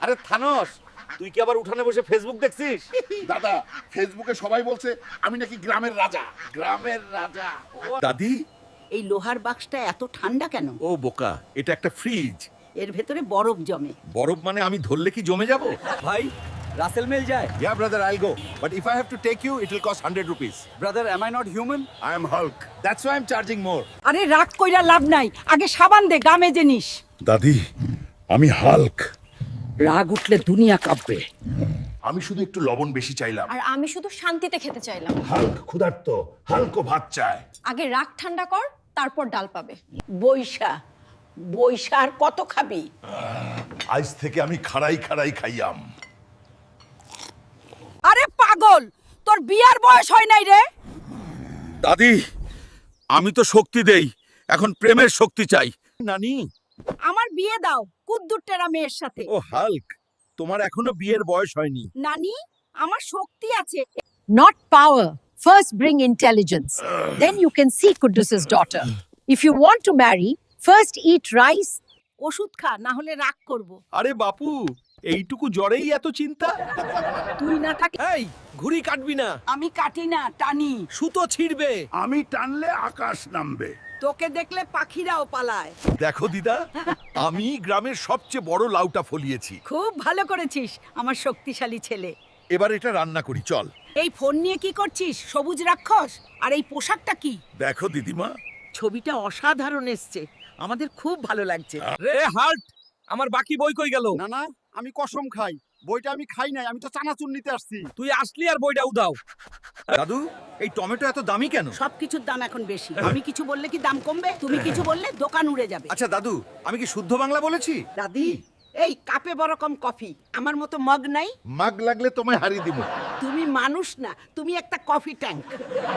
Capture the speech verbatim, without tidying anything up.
আরে থানোস, তুই কি আবার উঠানে বসে ফেসবুক দেখছিস? দাদা, ফেসবুকে সবাই বলছে আমি নাকি গ্রামের রাজা। গ্রামের রাজা। দাদি, এই লোহার বাক্সটা এত ঠান্ডা কেন? ও বোকা, এটা একটা ফ্রিজ। এর ভেতরে বরফ জমে। বরফ মানে আমি ধরলে কি জমে যাব? ভাই রাসেল মিল যায়। Yeah, brother, I'll go. But if I have to take you, it will cost one hundred rupees. Brother am I not human? I am Hulk. That's why I'm charging more. আরে রাগ কইরা লাভ নাই, আগে সাবান দে, গামে জিনিস। দাদি, আমি হাল্ক। রাগ উঠলে দুনিয়া কাঁপবে। আমি শুধু একটু লবণ বেশি চাইলাম। আর আমি শুধু শান্তিতে খেতে চাইলাম। হাল্ক ক্ষুধার্ত, হাল্কও ভাত চায়। আগে রাগ ঠান্ডা কর, তারপর ডাল পাবে। বৈশা বৈশা আর কত খাবি? আজ থেকে আমি খাড়াই খাড়াই খাইয়াম। আরে পাগল, তোর বিয়ার বয়স হয় নাই রে। দাদি, আমি তো শক্তি দেই, এখন প্রেমের শক্তি চাই। নানি, আমার বিয়ে দাও কুদ্দুরটেরা মেয়ের সাথে। ও হাল্ক, তোমার এখনো বিয়ের বয়স হয়নি। নানি, আমার শক্তি আছে। Not power. First bring intelligence. Then you can see Kudus's daughter. If you want to marry, first eat rice. ওষুধ খা, না হলে রাগ করব। আরে বাপু, এইটুকু জ্বরেই এত চিন্তা? তুই না থাকি। এই ঘুড়ি কাটবি না, আমি কাটি না, টানি। সুতো ছিড়বে। আমি টানলে আকাশ নামবে। তোকে দেখলে পাখিরাও পালায়। দেখো দিদা, আমি গ্রামের সবচেয়ে বড় লাউটা ফলিয়েছি। খুব ভালো করেছিস আমার শক্তিশালী ছেলে। এবার এটা রান্না করি, চল। এই ফোন নিয়ে কি করছিস, সবুজ রাক্ষস? আর এই পোশাকটা কি? দেখো দিদিমা, ছবিটা অসাধারণ এসছে, আমাদের খুব ভালো লাগছে। রে হাল্ট, আমার বাকি বই কই গেল? না না, আমি কসম খাই, বইটা আমি খাই নাই, আমি তো চানাচুর নিতে আসছি। তুই আসলি আর বইটা উদাও। দাদু, এই টমেটো এত দামি কেন? সবকিছুর দাম এখন বেশি। আমি কিছু বললে কি দাম কমবে? তুমি কিছু বললে দোকান উড়ে যাবে। আচ্ছা দাদু, আমি কি শুদ্ধ বাংলা বলেছি? দাদি, এই কাপে বড় কম কফি, আমার মতো মগ নাই। মাগ লাগলে তোমায় হারিয়ে দিব। তুমি মানুষ না, তুমি একটা কফি ট্যাঙ্ক।